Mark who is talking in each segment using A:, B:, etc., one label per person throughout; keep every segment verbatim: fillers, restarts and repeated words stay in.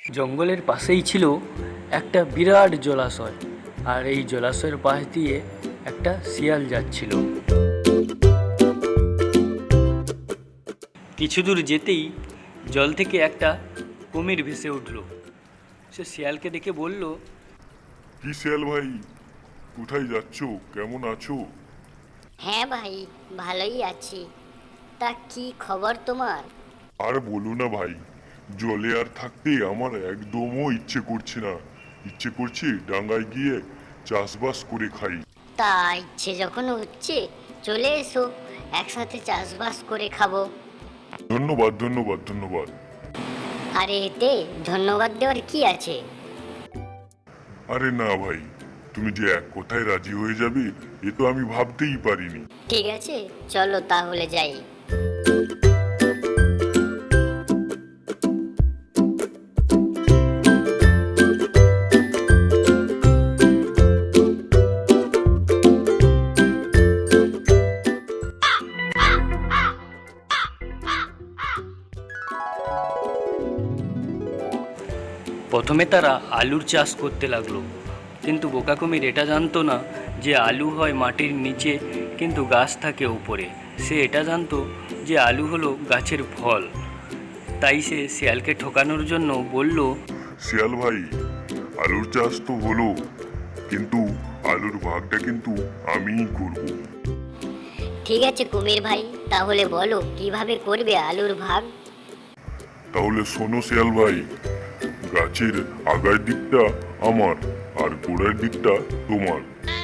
A: জঙ্গলের পাশেই ছিল একটা বিরাট জলাশয়, আর এই জলাশয়ের পাশ দিয়ে একটা শিয়াল যাচ্ছিল। কিছু দূর যেতেই জল থেকে একটা কুমির ভেসে উঠল। সে শিয়ালকে দেখে বলল,
B: কি শিয়াল ভাই, কোথায় যাচ্ছ? কেমন আছো?
C: হ্যাঁ ভাই, ভালোই আছি। তা কি খবর তোমার?
B: আর বলো না ভাই, জলে আর থাকতে আমার একদমও ইচ্ছে করছে না। ইচ্ছে করছে ডাঙায় গিয়ে চাষবাস করে খাই।
C: তা ইচ্ছে যখন হচ্ছে, চলে এসো, একসাথে চাষবাস করে খাবো।
B: ধন্যবাদ ধন্যবাদ ধন্যবাদ।
C: আরে এতে ধন্যবাদ দেওয়ার কি আছে?
B: আরে না ভাই, তুমি যে এক কথায় রাজি হয়ে যাবে এ তো আমি ভাবতেই পারিনি।
C: ঠিক আছে, চলো তাহলে যাই।
A: প্রথমে তারা আলুর চাষ করতে লাগলো, কিন্তু বোকা কুমির এটা জানতো না যে আলু হয় মাটির নিচে, কিন্তু গাছ থাকে উপরে। সে এটা জানতো যে আলু হলো গাছের ফল। তাই সে শিয়ালকে ঠকানোর জন্য বলল,
B: শিয়াল ভাই, আলুর চাষ তো হলো, কিন্তু আলুর ভাগটা কিন্তু আমিই করব।
C: ঠিক আছে কুমির ভাই, তাহলে বলো কিভাবে করবে আলুর ভাগ?
B: তাহলে শোনো শিয়াল ভাই, গাছের আগার দিকটা আমার আর গোড়ার দিকটা তোমার।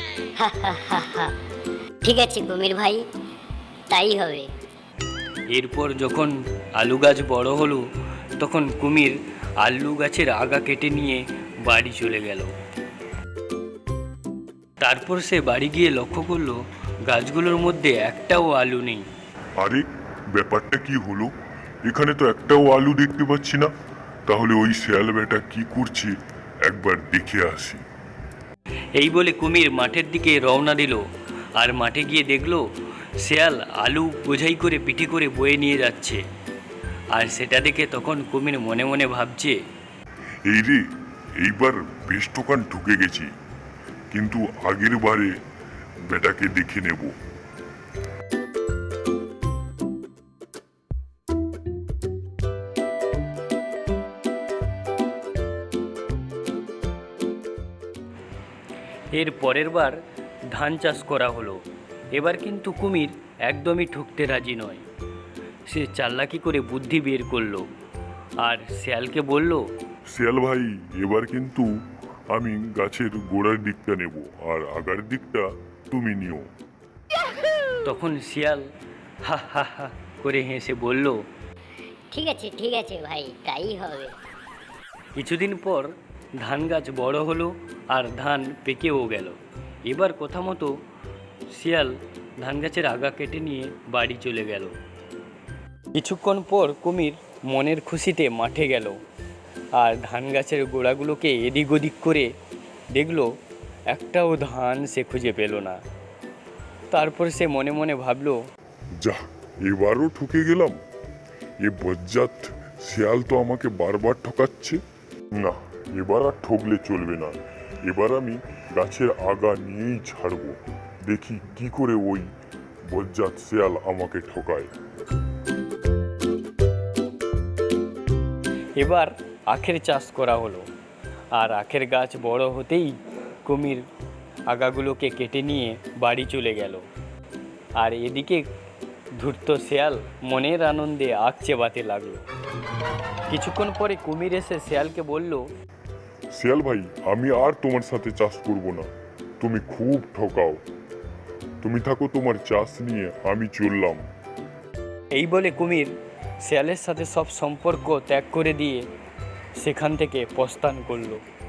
C: ঠিক আছে কুমির ভাই, তাই হবে।
A: এরপর যখন আলু গাছ বড় হলো, তখন কুমির আলু গাছের আগা কেটে নিয়ে বাড়ি চলে গেল। তারপর সে বাড়ি গিয়ে লক্ষ্য করলো গাছগুলোর মধ্যে একটাও আলু নেই।
B: আরে ব্যাপারটা কি হলো? এখানে তো একটাও আলু দেখতে পাচ্ছি না। তাহলে ওই শিয়াল বেটা কি করছে, একবার দেখে আসি।
A: এই বলে কুমির মাঠের দিকে রওনা দিল, আর মাঠে গিয়ে দেখলো শিয়াল আলু বোঝাই করে পিঠে করে বয়ে নিয়ে যাচ্ছে। আর সেটা দেখে তখন কুমির মনে মনে ভাবছে,
B: এই রে, এইবার বেশ টোকান ঢুকে গেছি, কিন্তু আগের বারে বেটাকে দেখে নেব।
A: এর পরের বার ধান চাষ করা হলো। এবার কিন্তু কুমির একদমই ঠকতে রাজি নয়। সে চালাকি করে বুদ্ধি বের করলো আর শিয়ালকে বলল,
B: শিয়াল ভাই, এবার কিন্তু আমি গাছের গোড়ার দিকটা নেব আর আগার দিকটা তুমি নিও।
A: তখন শিয়াল হা হা হা করে হেসে বলল,
C: ঠিক আছে ঠিক আছে ভাই, তাই হবে।
A: কিছুদিন পর ধান গাছ বড় হলো আর ধান পেকেও গেল। এবার কথা মতো শিয়াল ধান গাছের আগা কেটে নিয়ে বাড়ি চলে গেল। কিছুক্ষণ পর কুমির মনের খুশিতে মাঠে গেল আর ধান গাছের গোড়াগুলোকে এদিক ওদিক করে দেখলো একটাও ধান সে খুঁজে পেল না। তারপর সে মনে মনে ভাবলো,
B: যা, এবারও ঠকে গেলাম। এ বজ্জাত শিয়াল তো আমাকে বারবার ঠকাচ্ছে। না, এবার আর ঠকলে চলবে না। এবার আমি গাছের আগা নিয়েই ছাড়বো। দেখি কি করে ওই বজ্জাত শিয়াল আমাকে ঠকায়।
A: এবার আখের চাষ করা হলো, আর আখের গাছ বড় হতেই কুমির আগাগুলোকে কেটে নিয়ে বাড়ি চলে গেল। আর এদিকে ধূর্ত শিয়াল মনের আনন্দে আখ চেবাতে লাগলো। কিছুক্ষণ পরে কুমির এসে শিয়ালকে বলল,
B: শিয়াল ভাই, আমি আর তোমার সাথে চাষ করব না। তুমি খুব ঠকাও। তুমি থাকো তোমার চাষ নিয়ে, আমি চললাম।
A: এই বলে কুমির শিয়ালের সাথে সব সম্পর্ক ত্যাগ করে দিয়ে সেখান থেকে প্রস্থান করলো।